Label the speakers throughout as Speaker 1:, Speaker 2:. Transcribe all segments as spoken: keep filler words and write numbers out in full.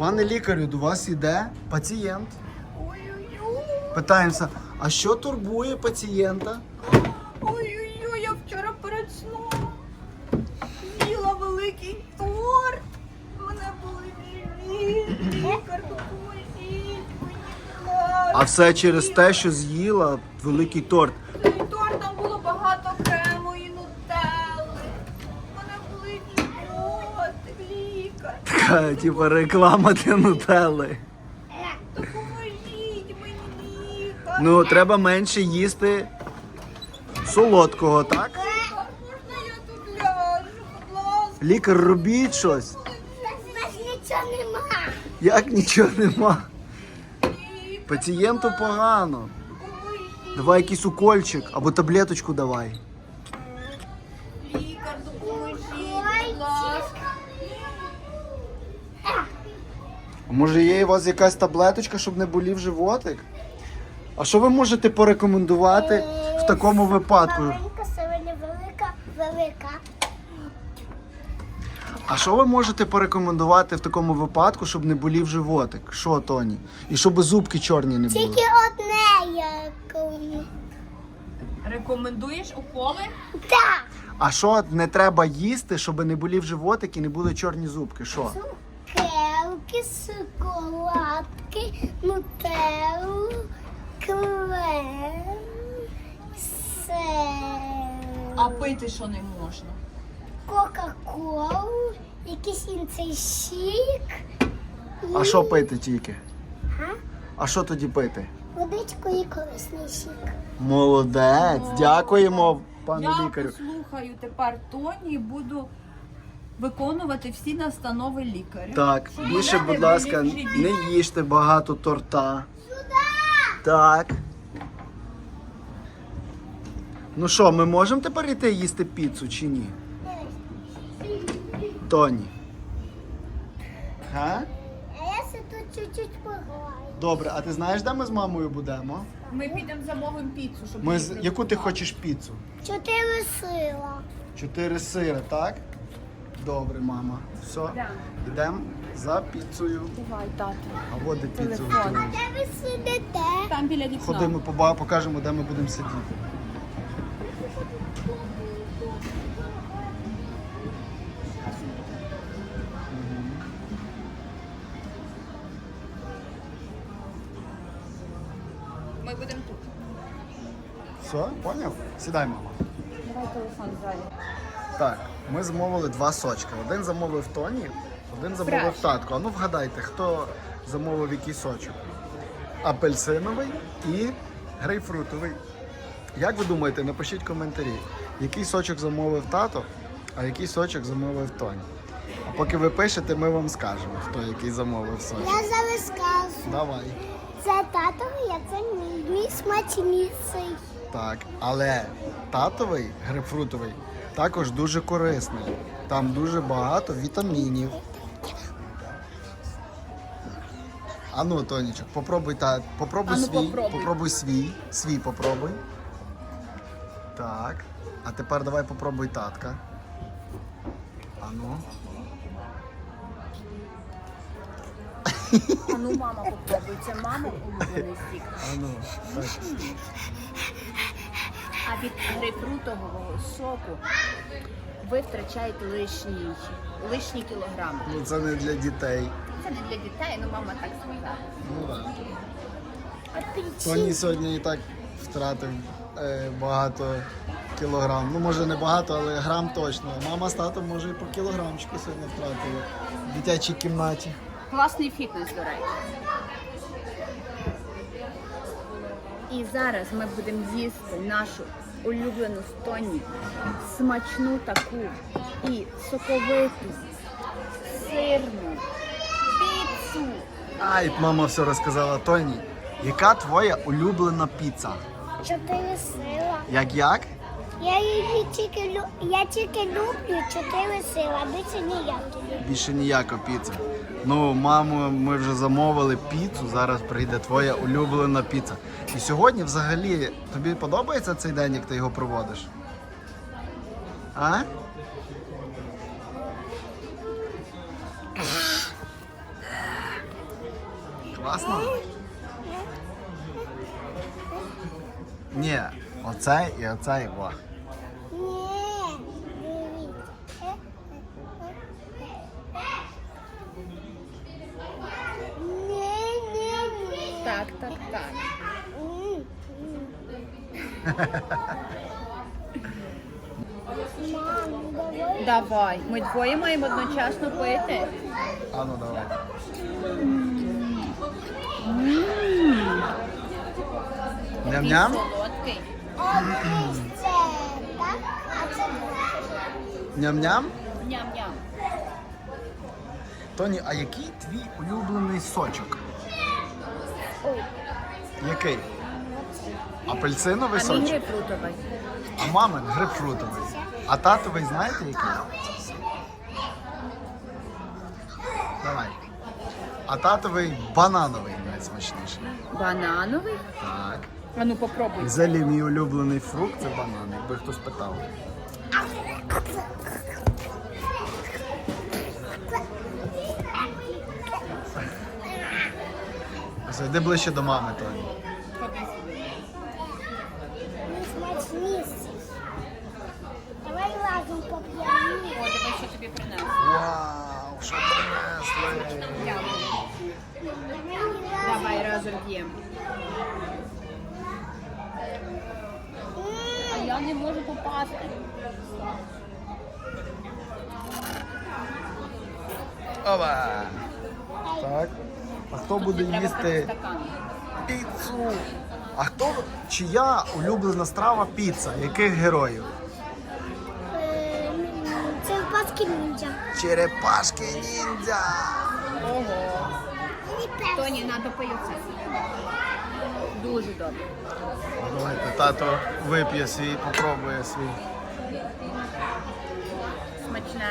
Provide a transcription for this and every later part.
Speaker 1: Пане лікарю, до вас йде пацієнт.
Speaker 2: Ой-ой-ой.
Speaker 1: Питаємося, а що турбує пацієнта?
Speaker 2: Ой-ой-ой, я вчора перед сном їла великий торт. Мене були живіт. Лікар, допоможіть мені, будь ласка.
Speaker 1: А все через те, що з'їла великий торт.
Speaker 2: Цей торт, там було багато крему і нутелли. Мене були животик, лікар.
Speaker 1: Така, типа, реклама для нутелли.
Speaker 2: Допоможіть мені, лікар.
Speaker 1: Ну, треба менше їсти солодкого, так?
Speaker 2: Лікар, можна я тут ляжу, будь ласка?
Speaker 1: Лікар, робіть щось.
Speaker 3: У нас нічого нема.
Speaker 1: Як нічого нема?
Speaker 2: Лікар,
Speaker 1: Пацієнту погано.
Speaker 2: допоможіть.
Speaker 1: Давай якийсь укольчик або таблеточку давай.
Speaker 2: Лікар, допоможіть, будь ласка.
Speaker 1: А може є у вас якась таблеточка, щоб не болів животик? А що ви можете порекомендувати в такому випадку?
Speaker 3: Маленька, сьогодні велика, велика.
Speaker 1: А що ви можете порекомендувати в такому випадку, щоб не болів животик? Що, Тоні? І щоб зубки чорні не були?
Speaker 3: Тільки одне як.
Speaker 2: Рекомендуєш уколи?
Speaker 3: Так.
Speaker 1: А що не треба їсти, щоб не болів животик і не були чорні зубки? Що?
Speaker 3: Цукерки, шоколадки, нутеллу, крем, сир,
Speaker 2: А пити що не можна?
Speaker 3: кока-колу, якийсь інший сік.
Speaker 1: А що пити тільки?
Speaker 3: Га?
Speaker 1: А що тоді пити?
Speaker 3: Водичку і корисний сік.
Speaker 1: Молодець, дякуємо, пане
Speaker 2: Я
Speaker 1: лікарю.
Speaker 2: послухаю тепер Тоні і буду виконувати всі настанови лікаря.
Speaker 1: Так,
Speaker 2: Щоб
Speaker 1: більше,
Speaker 2: мене
Speaker 1: будь
Speaker 2: не
Speaker 1: ласка,
Speaker 2: болів живіт.
Speaker 1: не їжте багато торта. Так. Ну що, ми можемо тепер йти їсти піцу чи ні? Тоні. Га?
Speaker 3: А я се тут чуть-чуть пограю.
Speaker 1: Добре, а ти знаєш, де ми з мамою будемо?
Speaker 2: Ми підемо замовимо піцу, щоб
Speaker 1: Ми
Speaker 2: її
Speaker 1: з... Яку ти
Speaker 2: приготувати.
Speaker 1: хочеш піцу?
Speaker 3: Чотири сила.
Speaker 1: Чотири сири, так? Добре, мама. Все,
Speaker 2: Да.
Speaker 1: йдемо за піцею.
Speaker 2: Давай, тато.
Speaker 1: А от де піцу
Speaker 2: Телефон.
Speaker 1: готують.
Speaker 3: Де ви сидите?
Speaker 2: Там біля вікна.
Speaker 1: Ходимо, поба- покажемо, де ми будемо сидіти.
Speaker 2: Ми будемо тут.
Speaker 1: Все, поняв? Сідай, мама.
Speaker 2: Давай телефон ззаді.
Speaker 1: Так, ми замовили два сочки. Один замовив Тоні, один замовив
Speaker 2: Краще.
Speaker 1: татко. А ну вгадайте, хто замовив який сочок? Апельсиновий і грейпфрутовий. Як ви думаєте, напишіть коментарі, який сочок замовив тато, а який сочок замовив Тоні. А поки ви пишете, ми вам скажемо, хто який замовив сочок.
Speaker 3: Я зараз скажу.
Speaker 1: Давай.
Speaker 3: Це татовий, а це мій. Мій смачніший.
Speaker 1: Так, але татовий грейпфрутовий також дуже корисний. Там дуже багато вітамінів. Ану, Тонічок, попробуй та попробуй
Speaker 2: Ану,
Speaker 1: свій.
Speaker 2: попробуй.
Speaker 1: Попробуй свій. Свій попробуй. Так. А тепер давай попробуй татка. Ану.
Speaker 2: А ну мама попробуй. Це мама улюблений сік.
Speaker 1: Ану. Так.
Speaker 2: А від грейпфрутового соку ви втрачаєте лишні, лишні кілограми.
Speaker 1: Ну це не для дітей.
Speaker 2: Це не для дітей, ну мама так сказала.
Speaker 1: Ну так.
Speaker 3: Апельсин.
Speaker 1: Тоні сьогодні і так втратив е, багато кілограм. Ну, може не багато, але грам точно. Мама з татом, може, і по кілограмчику сьогодні втратили в дитячій кімнаті.
Speaker 2: Класний фітнес, до речі. І зараз ми будемо їсти нашу улюблену з Тоні смачну таку і соковиту, сирну піцу.
Speaker 1: Ай, мама все розказала. Тоні, яка твоя улюблена піца?
Speaker 3: Чотири сила.
Speaker 1: Як як?
Speaker 3: Я її тільки лю- я тільки люблю чотири сила, більше ніякі.
Speaker 1: Більше ніяка піца. Ну, мамо, ми вже замовили піцу, зараз прийде твоя улюблена піца. І сьогодні взагалі тобі подобається цей день, як ти його проводиш? А? Класно? Ні, оцей і оцей. Во.
Speaker 3: Ні, дивіться. Е, Ні, ні, ні.
Speaker 2: Так, так, так.
Speaker 3: М, м. Мам, давай.
Speaker 2: Давай. Ми двоє маємо одночасно пити.
Speaker 1: А ну давай. Ням-ням?
Speaker 2: Солодкий.
Speaker 3: А ось це, так? А це
Speaker 1: Ням-ням?
Speaker 2: Ням-ням.
Speaker 1: Тоні, а який твій улюблений сочок?
Speaker 3: Ой,
Speaker 1: Який? Апельсиновий
Speaker 2: А мій
Speaker 1: сочок?
Speaker 2: грейпфрутовий.
Speaker 1: А мамин грейпфрутовий. А татовий знаєте який? Давай. А татовий банановий найсмачніший.
Speaker 2: Банановий?
Speaker 1: Так.
Speaker 2: А ну попробуй.
Speaker 1: Взагалі мій улюблений фрукт це банан, якби хтось питав. Зайди ближче до мами, Тоні.
Speaker 3: не смачніший. Давай разом поп'ємо.
Speaker 2: О, диви, що тобі принесли.
Speaker 1: Вау, що принесли!
Speaker 2: Давай разом п'ємо. А я не можу попасти.
Speaker 1: Ова! Так. А хто буде
Speaker 2: Треба
Speaker 1: їсти
Speaker 2: стакан.
Speaker 1: піцу? А хто чия улюблена страва піца? Яких героїв?
Speaker 3: Е, Це паски ніндзя.
Speaker 1: Черепашки ніндзя!
Speaker 2: Ого.
Speaker 3: Мені перший.
Speaker 2: Тоні, треба пити це. Дуже добре.
Speaker 1: Давайте, тато вип'є свій, попробує свій.
Speaker 2: Смачне.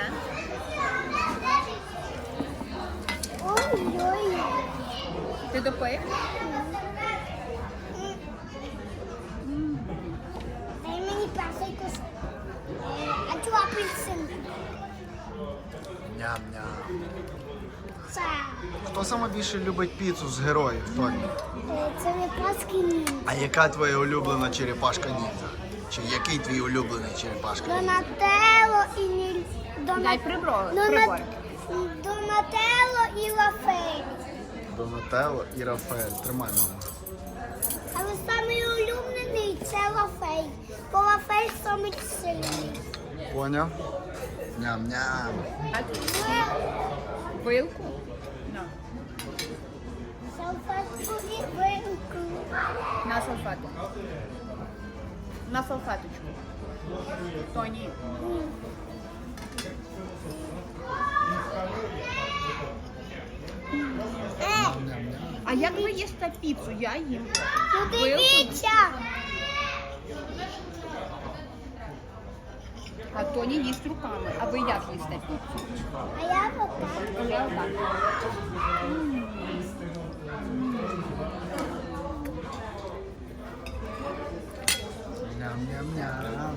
Speaker 3: Ой-ой.
Speaker 2: Ти допив?
Speaker 3: Дай мені перший кусок. Е, А цю апельсинку.
Speaker 1: Ням-ням.
Speaker 3: Це.
Speaker 1: Хто саме більше любить піцу з героїв, Тоні?
Speaker 3: Е, Це не паски ніндзя.
Speaker 1: А яка твоя улюблена черепашка ніндзя? Чи який твій улюблений черепашка ніндзя?
Speaker 3: Донателло і Ні...
Speaker 2: Дай
Speaker 3: Дона...
Speaker 2: прибро.
Speaker 3: Дона...
Speaker 2: прибор.
Speaker 3: Донателло і Лафей.
Speaker 1: Донателло і Рафаель. Тримай, мама.
Speaker 3: Але самий улюблений це Лафей. Бо Лафей самий сильний.
Speaker 1: Поняв? Ням-ням.
Speaker 2: А ти вилку? На.
Speaker 3: Салфетку і вилку.
Speaker 2: На салфетку. На салфеточку. Тоні.
Speaker 3: Е,
Speaker 2: А як ви їсте піцу? Я їм.
Speaker 3: ну
Speaker 2: Вилку?
Speaker 3: дивіться.
Speaker 2: А Тоні їсть руками. А ви як їсте піцу?
Speaker 3: А я отак.
Speaker 2: А я отак.
Speaker 1: Ням-ням-ням.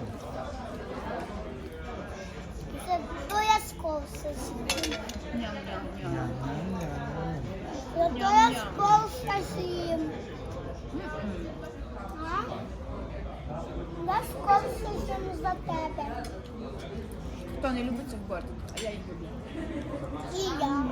Speaker 3: Це обов'язково все з'їм.
Speaker 2: Ням-ням-ням.
Speaker 1: Ням-ням-ням.
Speaker 3: Це обов'язково все з'їм. А? Я скорше з'їм за тебе.
Speaker 2: Хто не любить цих бортів? А я їх люблю.
Speaker 3: І я.